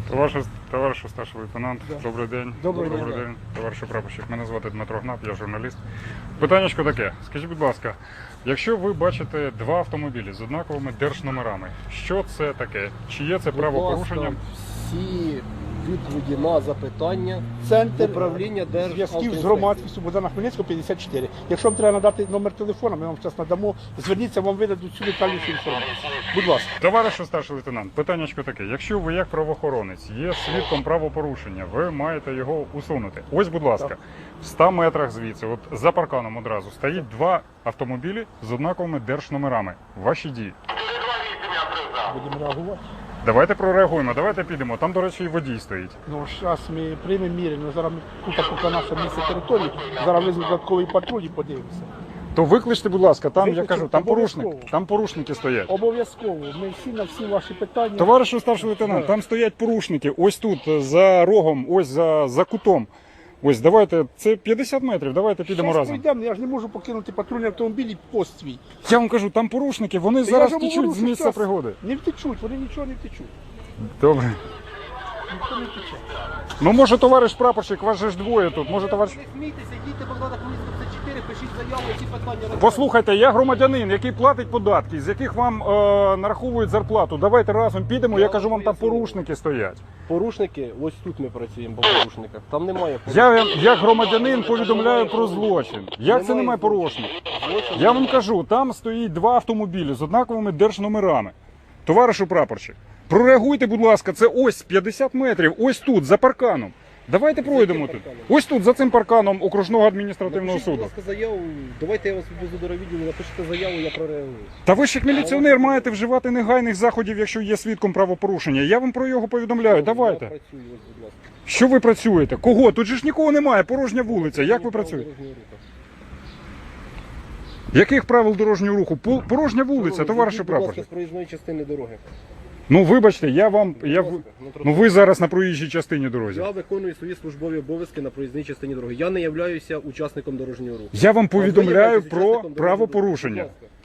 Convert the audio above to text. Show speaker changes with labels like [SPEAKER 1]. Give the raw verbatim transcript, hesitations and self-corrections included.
[SPEAKER 1] Товариш, товариш старший лейтенант,
[SPEAKER 2] Да.
[SPEAKER 1] добрий день.
[SPEAKER 2] Добрий
[SPEAKER 1] добрий
[SPEAKER 2] день.
[SPEAKER 1] день. Товариш прапорщик, мене звати Дмитро Гнап, я журналіст. Питаннячко таке, скажіть, будь ласка, якщо ви бачите два автомобілі з однаковими держномерами, що це таке? Чи є це правопорушенням?
[SPEAKER 3] Всі відповіді на запитання
[SPEAKER 2] Центр
[SPEAKER 3] управління
[SPEAKER 2] зв'язків з
[SPEAKER 3] Державтоінспекції.
[SPEAKER 2] громадськістю Богдана Хмельницького п'ятдесят чотири. Якщо вам треба надати номер телефону, ми вам зараз надамо. Зверніться, вам видадуть всю детальнішу інформацію. Будь ласка.
[SPEAKER 1] Товаришу старший лейтенант, питаннячко таке, якщо ви як правоохоронець є свідком правопорушення, ви маєте його усунути. Ось, будь ласка,
[SPEAKER 2] Так.
[SPEAKER 1] в ста метрах звідси, от за парканом одразу, стоїть два автомобілі з однаковими держномерами. Ваші дії.
[SPEAKER 2] Будемо реагувати.
[SPEAKER 1] Давайте прореагуємо, давайте підемо. Там, до речі, і водій стоїть.
[SPEAKER 2] Ну, зараз ми приймемо міри, ну зараз ми тут поки наше місце території, зараз візьмемо додатковий патруль і подивимося.
[SPEAKER 1] То викличте, будь ласка, там, я
[SPEAKER 2] Викличте,
[SPEAKER 1] кажу, там порушник,
[SPEAKER 2] обов'язково.
[SPEAKER 1] там порушники стоять.
[SPEAKER 2] Обов'язково, ми всі на всі ваші питання.
[SPEAKER 1] Товаришу старший лейтенант,
[SPEAKER 2] Да.
[SPEAKER 1] там стоять порушники, ось тут, за рогом, ось за, за кутом. Ось, давайте, це п'ятдесят метрів, давайте підемо
[SPEAKER 2] Щас
[SPEAKER 1] разом.
[SPEAKER 2] пройдемо, я ж не можу покинути патрульний автомобіль і пост свій.
[SPEAKER 1] Я вам кажу, там порушники, вони
[SPEAKER 2] Та
[SPEAKER 1] зараз
[SPEAKER 2] я ж
[SPEAKER 1] втічуть
[SPEAKER 2] говорю,
[SPEAKER 1] з
[SPEAKER 2] що
[SPEAKER 1] місця
[SPEAKER 2] щас
[SPEAKER 1] пригоди.
[SPEAKER 2] Не втечуть, вони нічого не втечуть.
[SPEAKER 1] Добре.
[SPEAKER 2] Ніхто не втече.
[SPEAKER 1] Ну, може, товариш прапорщик, вас же ж двоє тут, може, товариш...
[SPEAKER 3] Не смійтеся, йдіть Богдана Хмельницького п'ятдесят чотири, пишіть заяву, ці питання розглянемо.
[SPEAKER 1] Послухайте, я громадянин, який платить податки, з яких вам е, нараховують зарплату. Давайте разом підемо, я,
[SPEAKER 3] Я
[SPEAKER 1] кажу, вам там
[SPEAKER 3] поясню.
[SPEAKER 1] порушники стоять.
[SPEAKER 3] Порушники, ось тут ми працюємо по порушниках. Там немає порушників.
[SPEAKER 1] Я як громадянин повідомляю про злочин. Як це немає
[SPEAKER 3] злочину.
[SPEAKER 1] порушників?
[SPEAKER 3] Злочин
[SPEAKER 1] Я вам
[SPEAKER 3] немає.
[SPEAKER 1] кажу, там стоїть два автомобілі з однаковими держномерами. Товаришу прапорщик, прореагуйте, будь ласка, це ось п'ятдесят метрів, ось тут, за парканом. Давайте пройдемо тут.
[SPEAKER 3] парканом?
[SPEAKER 1] Ось тут, за цим парканом окружного адміністративного
[SPEAKER 3] Напишіть, будь
[SPEAKER 1] суду.
[SPEAKER 3] ласка, заяву, давайте я вас відвезу до райвідділу, напишіть заяву, я прореагую.
[SPEAKER 1] Та ви ж як міліціонер маєте вживати негайних заходів, якщо є свідком правопорушення. Я вам про його повідомляю.
[SPEAKER 3] Я
[SPEAKER 1] Давайте.
[SPEAKER 3] працюю, ось, будь ласка.
[SPEAKER 1] Що ви працюєте? Кого? Тут же ж нікого немає, порожня вулиця. Як ви працюєте?
[SPEAKER 3] Дорожнього руху.
[SPEAKER 1] Яких правил дорожнього руху? Пол- Порожня вулиця,
[SPEAKER 3] Шановні,
[SPEAKER 1] товаришу
[SPEAKER 3] зійдіть, будь ласка,
[SPEAKER 1] прапорщик.
[SPEAKER 3] з проїзної частини дороги.
[SPEAKER 1] Ну вибачте, я вам. Я...
[SPEAKER 3] Будь
[SPEAKER 1] в-
[SPEAKER 3] ласка, на
[SPEAKER 1] Ну ви зараз на проїжджій частині дорозі.
[SPEAKER 3] Я виконую свої службові обов'язки на проїзній частині дороги. Я не являюся учасником дорожнього руху.
[SPEAKER 1] Я вам
[SPEAKER 3] А ви
[SPEAKER 1] повідомляю
[SPEAKER 3] являєтесь
[SPEAKER 1] про
[SPEAKER 3] учасником дорожнього руху.
[SPEAKER 1] правопорушення.
[SPEAKER 3] Будь ласка.